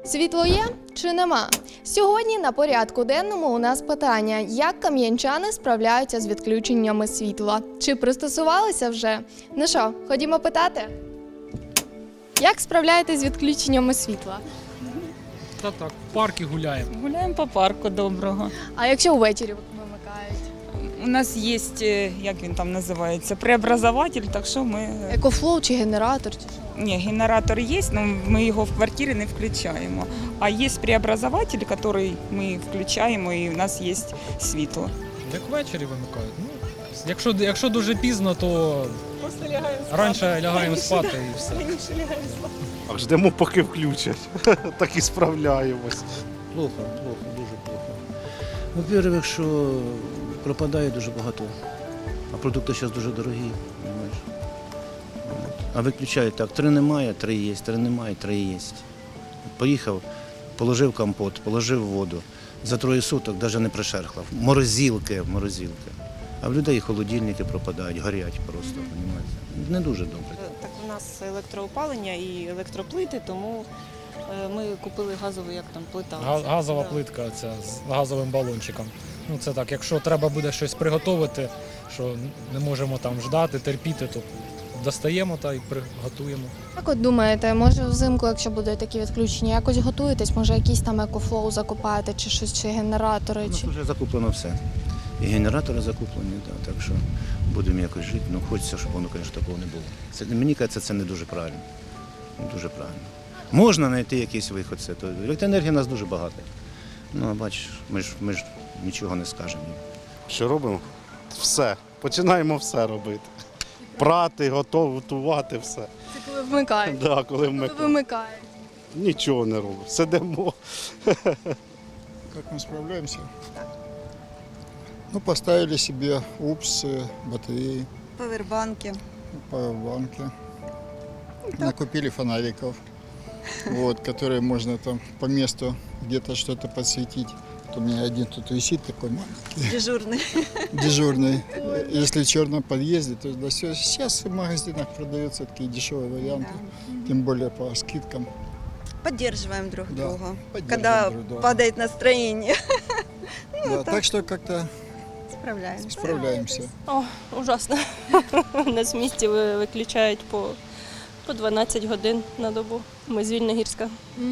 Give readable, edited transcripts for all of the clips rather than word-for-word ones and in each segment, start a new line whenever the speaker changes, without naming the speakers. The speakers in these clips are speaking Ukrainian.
Світло є чи нема? Сьогодні на порядку денному у нас питання, як кам'янчани справляються з відключеннями світла? Чи пристосувалися вже? Ну що, ходімо питати? Як справляєтесь з відключеннями світла?
Та так, в парки гуляємо.
Гуляємо по парку доброго.
А якщо ввечері вимикають?
У нас є, як він там називається, преобразователь, так що ми...
Екофлоу чи генератор? Чи що?
Ні, генератор є, але ми його в квартирі не включаємо. А є преобразователь, який ми включаємо, і у нас є світло.
Як ввечері вимикають. Ну, якщо дуже пізно, то
Просто лягаємо
раніше лягаємо спати і все.
А ждемо, поки включать. Так і справляємось.
Плохо, дуже плохо. Во-первых, що пропадає дуже багато, а продукти зараз дуже дорогі, розумієш. А виключають так, 3 немає, 3 є, 3 немає, 3 є. Поїхав, положив компот, положив воду. За 3 суток навіть не пришерхлав. Морозилки. А в людей холодильники пропадають, горять просто, розумієте. Не дуже добре.
Так у нас електроопалення і електроплити, тому ми купили газову, як там, плита.
Газова
Да.
плитка ця з газовим балончиком. Ну це так, якщо треба буде щось приготувати, що не можемо там ждати, терпіти, то достаємо та й приготуємо.
Як от думаєте, може взимку, якщо будуть такі відключення, якось готуєтесь? Може якийсь там екофлоу закупаєте, чи щось, чи генератори?
У нас
Чи...
вже закуплено все. І генератори закуплені, так що будемо якось жити. Ну, хочеться, щоб воно, звісно, такого не було. Мені кажеться, це не дуже правильно. Не дуже правильно. Можна знайти якийсь виход. То електроенергії у нас дуже багато. Ну, а бачиш, ми ж нічого не скажемо.
Що робимо? Все. Починаємо все робити. Прати, готувати, все.
Це коли вмикають?
Да, коли
Коли
ми
вимикають.
нічого не робимо. Сидимо.
Как мы справляемся? Ну, поставили себе УПС, батареи,
Павербанки.
пауэрбанки. Накупили фонариков, вот, которые можно там по месту где-то что-то подсветить. Вот у меня один тут висит такой маленький,
Дежурный.
дежурный. Если в черном подъезде, то да, все. Сейчас в магазинах продаются такие дешевые варианты, тем более по скидкам.
Поддерживаем друг
Да,
друга,
поддерживаем
когда
друг друга.
падает настроение.
Да, так что как-то
Справляемся.
справляемся.
О, ужасно. У нас в місті виключають по 12 годин на добу. Ми з Вільногірська.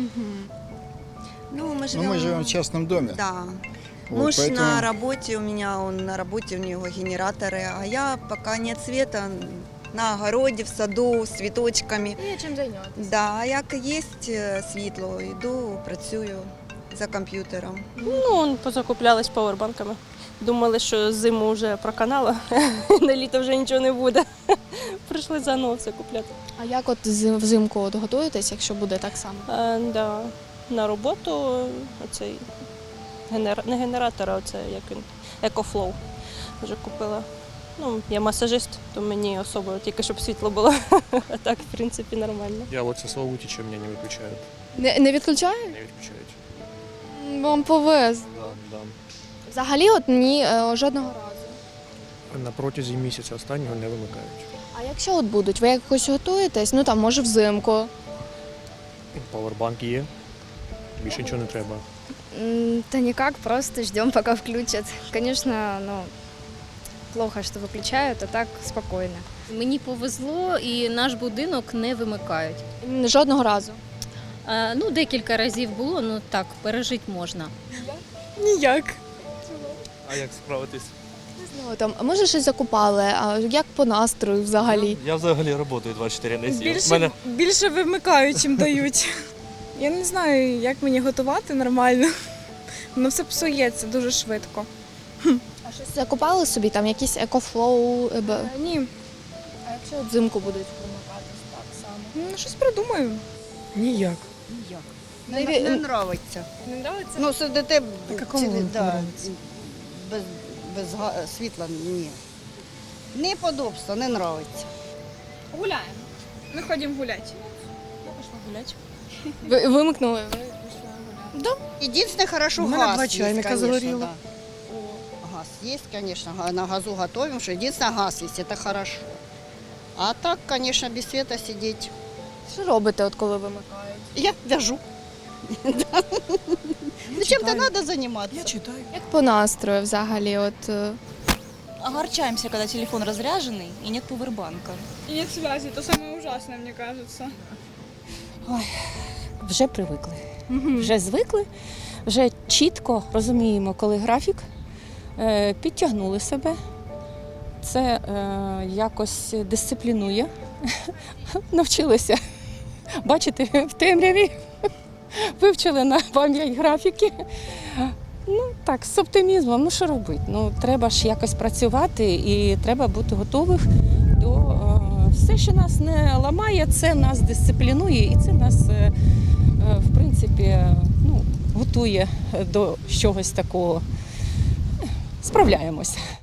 Ну, мы
Но мы живем в частном доме.
Да.
Вот,
Муж
поэтому-
на работе, у меня он на работе, у него генераторы, а я пока нет света, на огороде, в саду, з цвіточками.
Є чим зайнятися.
Да, а як є світло, йду, працюю за комп'ютером.
Ну, позакуплялись павербанками. Думали, що зиму вже проканало, на літо вже нічого не буде. Прийшли заново все купляти.
А як от взимку от готуєтесь, якщо буде так само?
Да. На роботу оцей не генератор, а оце як він, екофлоу вже купила. Ну, я масажист, то мені особо тільки щоб світло було. А так, в принципі, нормально.
Я вот со Славутича меня не выключают.
Не відключають?
Не выключают.
Вам повезло.
Да, да.
Взагалі от ні, жодного разу.
На протязі місяця останнього не вимикають.
А якщо от будуть, ви якось готуєтесь? Ну там, може взимку.
Павербанк є, більше нічого не треба.
Да никак, просто ждем, пока включат. Конечно, плохо, что выключают, а так спокойно.
Мені повезло і наш будинок не вимикають.
Жодного разу.
Ну, декілька разів було, ну так, пережити можна.
Ніяк.
А як справитись?
Ну, там, а може щось закупали, а як по настрою взагалі?
Я взагалі працюю 24 на 7.
Більше вимикають, чим дають. Я не знаю, як мені готувати нормально. Воно все псується дуже швидко.
А щось закупали собі, там якісь екофлоу?
Ні,
А якщо от взимку будуть вимикатись так само?
ну щось придумаю.
Ніяк.
Не подобається.
Не подобається?
Ну, сидите
Без світла ні. Неподобство, не подобається.
Гуляємо. Ми ходимо гуляти.
Я пішла гуляти.
Ви вимикнули?
Единственное, хорошо,
У мене
газ
два
есть,
чайника
конечно,
загорело.
да. Газ есть, конечно, на газу готовим, что единственное, газ есть, это хорошо. А так, конечно, без света сидеть.
Що робите, от коли вимикають?
Я вяжу. Ну, чем-то надо заниматься.
Як по настрою взагалі?
Огорчаемся, когда телефон разряженный и нет пауэрбанка.
И нет связи, это самое ужасное, мне кажется.
Вже привикли. Вже звикли, вже чітко розуміємо, коли графік, підтягнули себе. Це якось дисциплінує. Навчилися бачити в темряві, вивчили на пам'ять графіки. Ну так, з оптимізмом, ну що робити? Ну треба ж якось працювати і треба бути готових до все, що нас не ламає, це нас дисциплінує і це нас, в принципі, ну, готує до чогось такого. Справляємося.